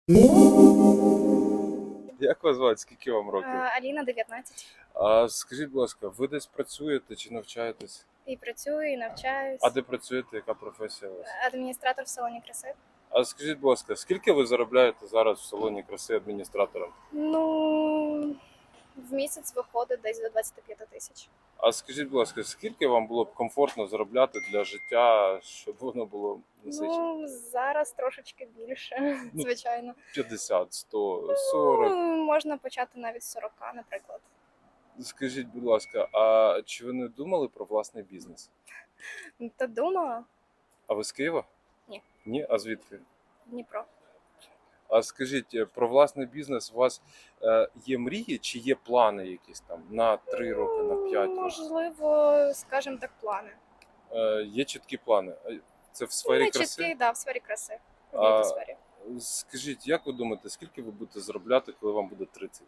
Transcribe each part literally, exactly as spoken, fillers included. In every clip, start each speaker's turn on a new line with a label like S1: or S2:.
S1: Як вас звати? Скільки вам
S2: Е,
S1: років?
S2: Аліна, дев'ятнадцять.
S1: А скажіть, будь ласка, ви десь працюєте чи навчаєтесь?
S2: І працюю, і навчаюсь.
S1: А де працюєте? Яка професія у вас?
S2: Адміністратор в салоні краси.
S1: А скажіть, будь ласка, скільки ви заробляєте зараз в салоні краси адміністратором?
S2: Ну, в місяць виходить десь до двадцяти п'яти тисяч.
S1: А скажіть, будь ласка, скільки вам було б комфортно заробляти для життя, щоб воно було насичено?
S2: Ну, зараз трошечки більше,
S1: Ну,
S2: звичайно.
S1: п'ятдесят, сто, сорок.
S2: Ну, можна почати навіть з сорока, наприклад.
S1: Скажіть, будь ласка, а чи ви не думали про власний бізнес?
S2: Та думала?
S1: А ви з Києва?
S2: Ні.
S1: Ні? А звідки?
S2: Дніпро.
S1: А скажіть, е, про власний бізнес у вас е, є мрії чи є плани якісь там на три роки, на п'ять років?
S2: Можливо, скажімо так, плани.
S1: Е, Є чіткі плани. Е, Це в сфері
S2: Не
S1: краси?
S2: чіткі, да, в сфері краси. В
S1: А-
S2: б'юті сфері.
S1: Скажіть, як ви думаєте, скільки ви будете заробляти, коли вам буде тридцять?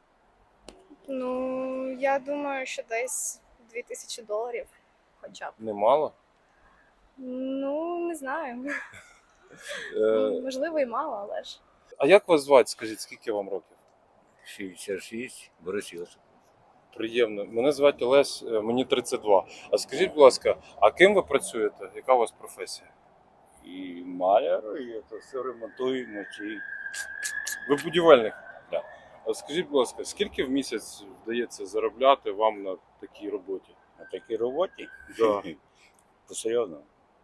S2: Ну, я думаю, що десь дві тисячі доларів хоча б.
S1: Немало?
S2: Ну, не знаю.
S1: Е,
S2: Можливо, і мало, але ж.
S1: А як вас звати? Скажіть, скільки вам років?
S3: шістдесят шість, Борис Йосип.
S1: Приємно. Мене звати Олесь, е, мені тридцять два. А скажіть, будь ласка, а ким ви працюєте? Яка у вас професія?
S3: І маляр, і це все ремонтуємо. Чи...
S1: Ви будівельник?
S3: Да.
S1: А скажіть, будь ласка, скільки в місяць вдається заробляти вам на такій роботі?
S3: На такій роботі
S1: Да.
S3: посерйозно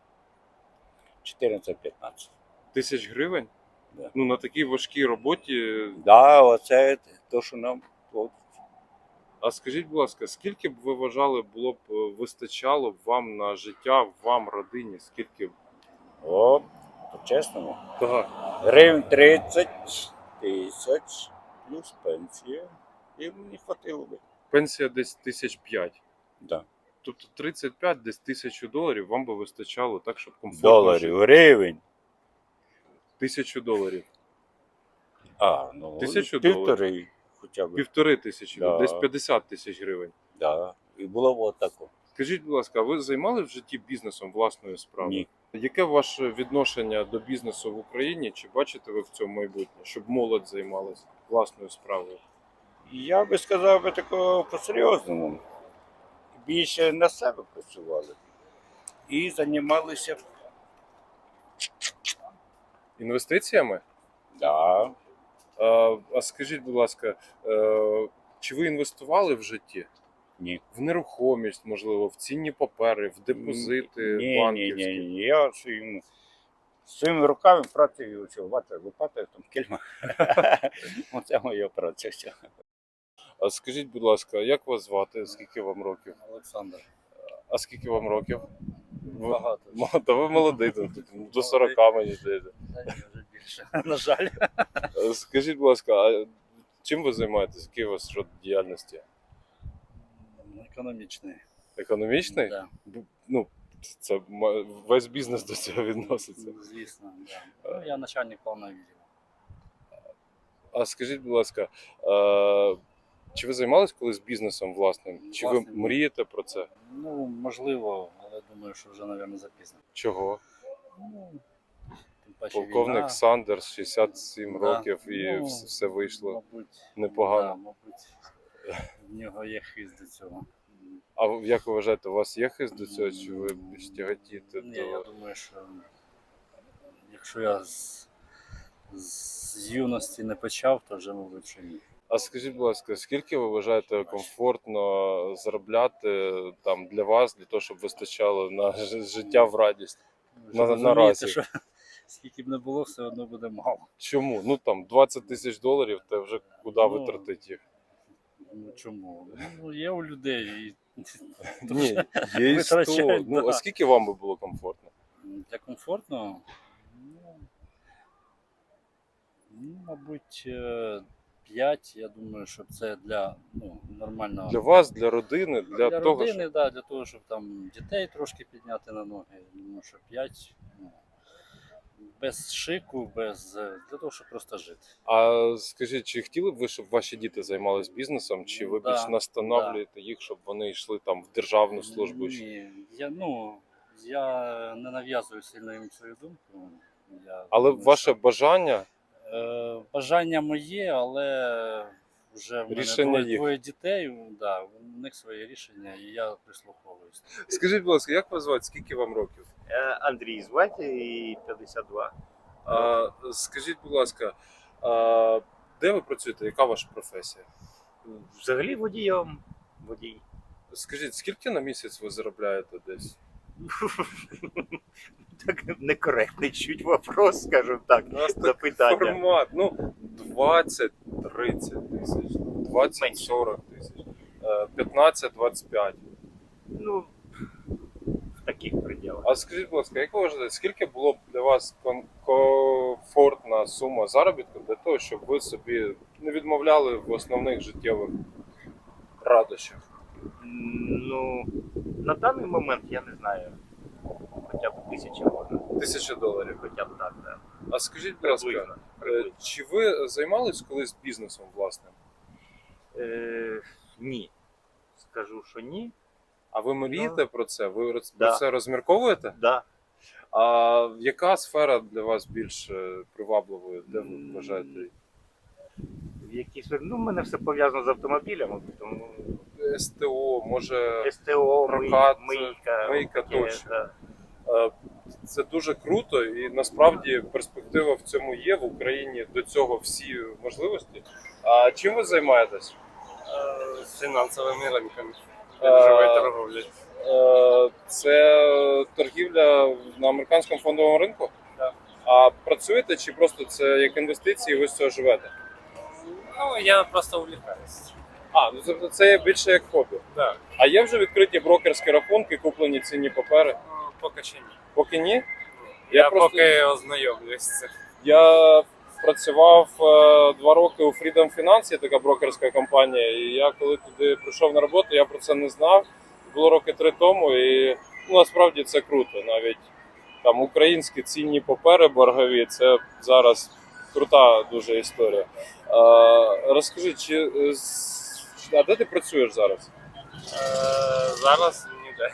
S3: чотирнадцять-п'ятнадцять.
S1: Тисяч гривень?
S3: Да.
S1: Ну, на такій важкій роботі.
S3: Да, оце те, що нам от,
S1: А скажіть, будь ласка, скільки б ви вважали, було б е, вистачало б вам на життя, вам, родині? Скільки б?
S3: о, по-чесному.
S1: Так.
S3: Гривень тридцять тисяч плюс пенсія. І мені хватило би.
S1: Пенсія десь тисяч п'ять.
S3: Да.
S1: Тобто тридцять п'ять, десь тисячу доларів вам би вистачало так, щоб комфортно
S3: Доларів,
S1: жити.
S3: гривень.
S1: Тисячу доларів.
S3: А, ну,
S1: Тисячу
S3: півтори хоча б.
S1: Півтори тисячі,
S3: Да.
S1: десь п'ятдесят тисяч гривень.
S3: Да. І було б отако.
S1: Скажіть, будь ласка, а ви займали в житті бізнесом власною справою?
S3: Ні.
S1: Яке ваше відношення до бізнесу в Україні? Чи бачите ви в цьому майбутнє, щоб молодь займалась власною справою?
S3: Я би сказав би такого по-серйозному. Більше на себе працювали. І займалися.
S1: Інвестиціями?
S3: Да.
S1: А, а скажіть, будь ласка, е, чи ви інвестували в житті?
S3: Ні.
S1: В нерухомість, можливо, в цінні папери, в депозити
S3: Ні, ні,
S1: банківські?
S3: ні, ні. Я своїм, своїми руками працюю, що бачите, лопата, там кільма. Оце моя праця вся.
S1: А скажіть, будь ласка, як вас звати? Скільки вам років?
S3: Олександр.
S1: А скільки вам років? Ви-
S3: Багато.
S1: Мо- Та ви молодий, тут до сорока, мені здається.
S3: Та ні, вже більше. На жаль.
S1: Е, Скажіть, будь ласка, а чим ви займаєтесь? Який у вас род діяльності?
S3: Економічний.
S1: Економічний?
S3: Да.
S1: Бу- Ну, це ма- весь бізнес до цього відноситься.
S3: Звісно, да. Ну, я начальник повного відділу.
S1: А скажіть, будь ласка, е, чи ви займались колись бізнесом власним? Чи ви
S3: Власним, ні.
S1: мрієте про це?
S3: Ну, можливо, але думаю, що вже, мабуть, запізно.
S1: Чого?
S3: Ну, тим паче
S1: Полковник
S3: війна.
S1: Сандерс, шістдесят сім
S3: Да.
S1: років, і
S3: Ну,
S1: вс- все вийшло
S3: Мабуть,
S1: непогано.
S3: Да, мабуть, в нього є хист до цього.
S1: А ви- як ви вважаєте, у вас є хист до цього, чи ви більш тяготієте
S3: Ні, я
S1: до...
S3: думаю, що якщо я з, з юності не почав, то вже, мабуть, що ні.
S1: А скажіть, будь ласка, скільки ви вважаєте комфортно заробляти там для вас, для того, щоб вистачало на ж- життя в радість?
S3: Ви
S1: На-
S3: ж
S1: наразі.
S3: розумієте, що скільки б не було, все одно буде мало.
S1: Чому? Ну там двадцять тисяч доларів, та вже куди
S3: Ну,
S1: витратити їх?
S3: Ну чому? Ну, є у людей. І...
S1: Ні, є і сто.
S3: витрачають,
S1: Ну,
S3: да.
S1: а скільки вам би було комфортно?
S3: Для комфортно, ну, ну, мабуть, е, п'ять, я думаю, що це для ну, нормального.
S1: Для вас, для родини, для,
S3: для
S1: того,
S3: родини,
S1: щоб...
S3: да, для того, щоб там дітей трошки підняти на ноги. Я думаю, що п'ять. Ну, без шику, без е, для того, щоб просто жити.
S1: А скажіть, чи хотіли б ви, щоб ваші діти займались бізнесом, чи ви
S3: Да,
S1: більш настановлюєте їх, щоб вони йшли там в державну службу? чи-
S3: Ні, я, ну, я не нав'язую сильно їм свою думку. Я
S1: Але
S3: думаю,
S1: ваше
S3: що,
S1: бажання
S3: е, Е, бажання моє, але вже в мене
S1: Рішення
S3: двоє,
S1: їх.
S3: двоє дітей, да, у них своє рішення, і я прислуховуюсь.
S1: Скажіть, будь ласка, як вас звати? Скільки вам років?
S4: Е, Андрій звати і п'ятдесят два.
S1: А, скажіть, будь ласка, а, де ви працюєте? Яка ваша професія?
S4: Взагалі водієм. Водій.
S1: Скажіть, скільки на місяць ви заробляєте десь?
S4: Так некоректний чуть вопрос, скажімо так.
S1: У нас так
S4: Запитання.
S1: формат. Ну, двадцять-тридцять тисяч, двадцять-сорок тисяч, е, п'ятнадцять-двадцять п'ять.
S4: Ну, в таких пределах.
S1: А скажіть, будь ласка, як ви вважаєте, скільки було б для вас кон- комфортна сума заробітку для того, щоб ви собі не відмовляли в основних життєвих радощах?
S4: Ну, на даний момент я не знаю. Хоча б тисяча можна.
S1: Тисяча доларів.
S4: Хоча б так, так.
S1: А скажіть, будь ласка,
S4: Приблизно.
S1: е,
S4: приблизно.
S1: чи ви займались колись бізнесом власним?
S4: Е, ні. Скажу, що ні.
S1: А ви мрієте про це? Ви роз-
S4: Да.
S1: про це розмірковуєте?
S4: Да.
S1: А яка сфера для вас більш е, привабливою? Де ви вважаєте?
S4: В якійсь... Ну, в мене все пов'язано з автомобілями, тому
S1: СТО, може,
S4: СТО, мий-
S1: прокат,
S4: мийка.
S1: мийка
S4: таке,
S1: точно.
S4: да.
S1: Е, це дуже круто, і насправді перспектива в цьому є. В Україні до цього всі можливості. А чим ви займаєтесь?
S5: Е, фінансовими ринками.
S1: Е,
S5: Біржової торговлі.
S1: Е, Це торгівля на американському фондовому ринку?
S5: Так.
S1: А працюєте чи просто це як інвестиції, і ви з цього живете?
S5: Ну, я просто увлікаюсь.
S1: А, ну тобто це є більше як хобі.
S5: Так.
S1: А є вже відкриті брокерські рахунки, куплені цінні папери?
S5: Ну, поки що ні.
S1: Поки ні.
S5: Я,
S1: Я просто-
S5: поки ознайомлюсь з цим.
S1: Я працював е, два роки у Freedom Finance, є така брокерська компанія. І я коли туди прийшов на роботу, я про це не знав. Було роки три тому, і ну, насправді це круто. Навіть там українські цінні папери боргові, це зараз крута дуже історія. Е, розкажи, чи е, з- а де ти працюєш зараз?
S5: Е, зараз ніде.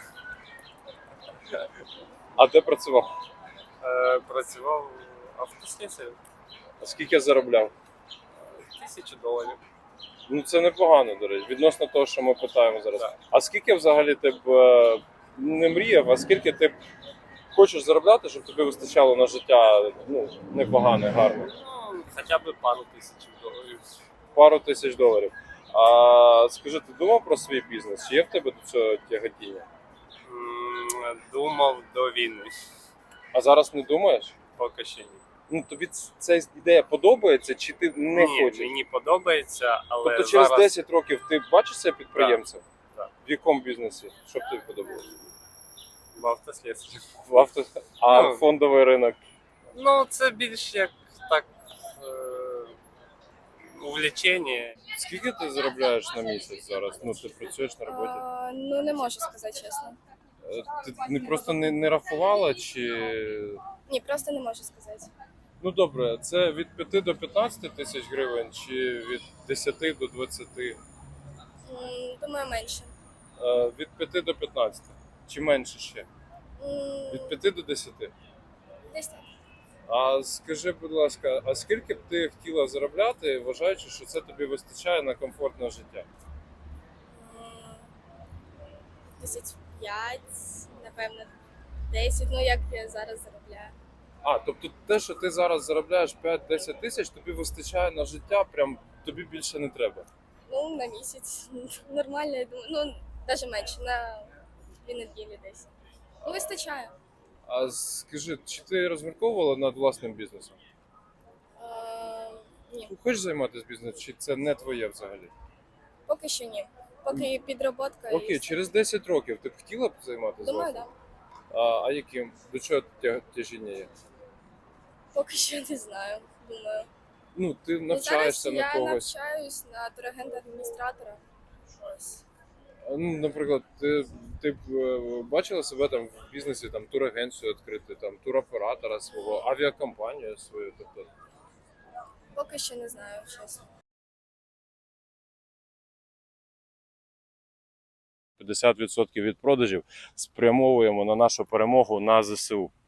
S1: А де працював?
S5: Е, працював автослісарем.
S1: А скільки заробляв?
S5: Тисячу доларів.
S1: Ну це непогано, до речі, відносно того, що ми питаємо зараз.
S5: Так.
S1: А скільки взагалі ти б е, не мріяв, а скільки ти б хочеш заробляти, щоб тобі вистачало на життя ну, непогане, гарне?
S5: Ну, хоча б пару тисяч доларів.
S1: Пару тисяч доларів. А скажи, ти думав про свій бізнес? Чи є в тебе до цього тяготіння?
S5: М, Думав до війни.
S1: А зараз не думаєш?
S5: Поки що ні.
S1: Ну тобі ц- ця ідея подобається, чи ти не
S5: ні,
S1: хочеш?
S5: мені подобається, але
S1: Тобто через
S5: зараз
S1: десять років ти бачишся підприємцем?
S5: Так.
S1: В якому бізнесі? Що б тобі подобалося?
S5: в автослісарі.
S1: В авто... А
S5: Ну.
S1: фондовий ринок?
S5: Ну, це більш як так е, увлечення.
S1: Скільки ти заробляєш на місяць зараз? Ну, ти працюєш на роботі?
S2: А, ну, не можу сказати чесно.
S1: Е, Ти не просто не, не рахувала, чи.
S2: Ні, просто не можу сказати.
S1: Ну добре, це від п'яти до п'ятнадцяти тисяч гривень, чи від десяти до двадцяти?
S2: М, Думаю, менше.
S1: Е, Від п'яти до п'ятнадцяти. Чи менше ще?
S2: М,
S1: Від п'яти до десяти.
S2: Десь так.
S1: А скажи, будь ласка, а скільки б ти хотіла заробляти, вважаючи, що це тобі вистачає на комфортне життя?
S2: М, Тисяч п'ять, напевно, десять, ну як я зараз заробляю.
S1: А, тобто те, що ти зараз заробляєш п'ять-десять тисяч, тобі вистачає на життя, прям тобі більше не треба.
S2: Ну, на місяць. Нормально, я думаю. Ну, навіть менше, на дві неділі десь. Ну, вистачає.
S1: А скажи, чи ти розмірковувала над власним бізнесом?
S2: Е, ні,
S1: Хочеш займатися бізнесом, чи це не твоє взагалі?
S2: поки що ні. Поки підроботка. і
S1: Окей,
S2: все.
S1: через десять років ти б хотіла б займатися
S2: Думаю,
S1: власним?
S2: так.
S1: А, а яким? До чого тя- тяжіння є?
S2: Поки що не знаю. Думаю.
S1: Ну, ти
S2: Ну,
S1: навчаєшся
S2: зараз
S1: на
S2: я
S1: когось.
S2: навчаюсь на турагента адміністратора. Ось.
S1: А, Ну, наприклад, ти, ти б е, бачила себе там в бізнесі, там турагенцію відкрити, там туроператора свого, авіакомпанію свою. Тобто,
S2: Поки що не знаю, чесно.
S1: п'ятдесят відсотків від продажів спрямовуємо на нашу перемогу на ЗСУ.